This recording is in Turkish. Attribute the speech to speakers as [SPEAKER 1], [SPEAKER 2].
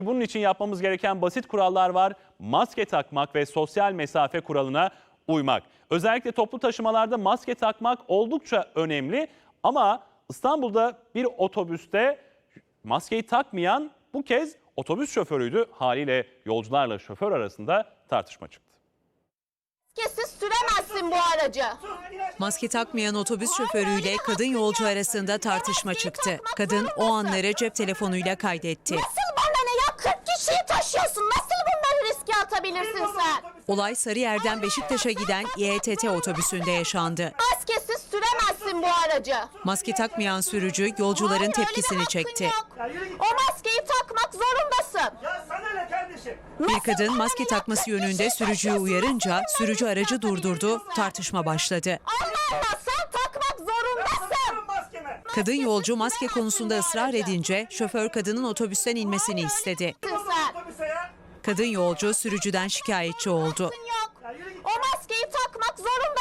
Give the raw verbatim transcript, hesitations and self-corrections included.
[SPEAKER 1] Bunun için yapmamız gereken basit kurallar var. Maske takmak ve sosyal mesafe kuralına uymak. Özellikle toplu taşımalarda maske takmak oldukça önemli. Ama İstanbul'da bir otobüste maskeyi takmayan bu kez otobüs şoförüydü. Haliyle yolcularla şoför arasında tartışma çıktı.
[SPEAKER 2] Maskesiz süremezsin bu aracı.
[SPEAKER 3] Maske takmayan otobüs şoförüyle kadın yolcu arasında tartışma çıktı. Kadın o anları cep telefonuyla kaydetti.
[SPEAKER 2] Nasıl bana ne ya? kırk kişiyi taşıyorsun. Nasıl bunları riske atabilirsin sen?
[SPEAKER 3] Olay Sarıyer'den Beşiktaş'a giden İ E T T otobüsünde yaşandı.
[SPEAKER 2] Maskesiz süremezsin bu aracı.
[SPEAKER 3] Maske takmayan sürücü yolcuların
[SPEAKER 2] Hayır, öyle bir
[SPEAKER 3] tepkisini
[SPEAKER 2] hakkın
[SPEAKER 3] çekti.
[SPEAKER 2] yok. O maskeyi takmak zorundasın.
[SPEAKER 4] Ya sana ne kardeşim?
[SPEAKER 3] Bir kadın maske takması yönünde sürücüyü uyarınca sürücü aracı durdurdu, tartışma başladı.
[SPEAKER 2] Allah Allah, sen takmak zorundasın.
[SPEAKER 4] Maskeme.
[SPEAKER 3] Kadın yolcu maske konusunda ısrar edince şoför kadının otobüsten inmesini istedi.
[SPEAKER 2] Sen.
[SPEAKER 4] Otobüse ya.
[SPEAKER 3] Kadın yolcu sürücüden şikayetçi oldu.
[SPEAKER 2] Yok. O maskeyi takmak zorundasın.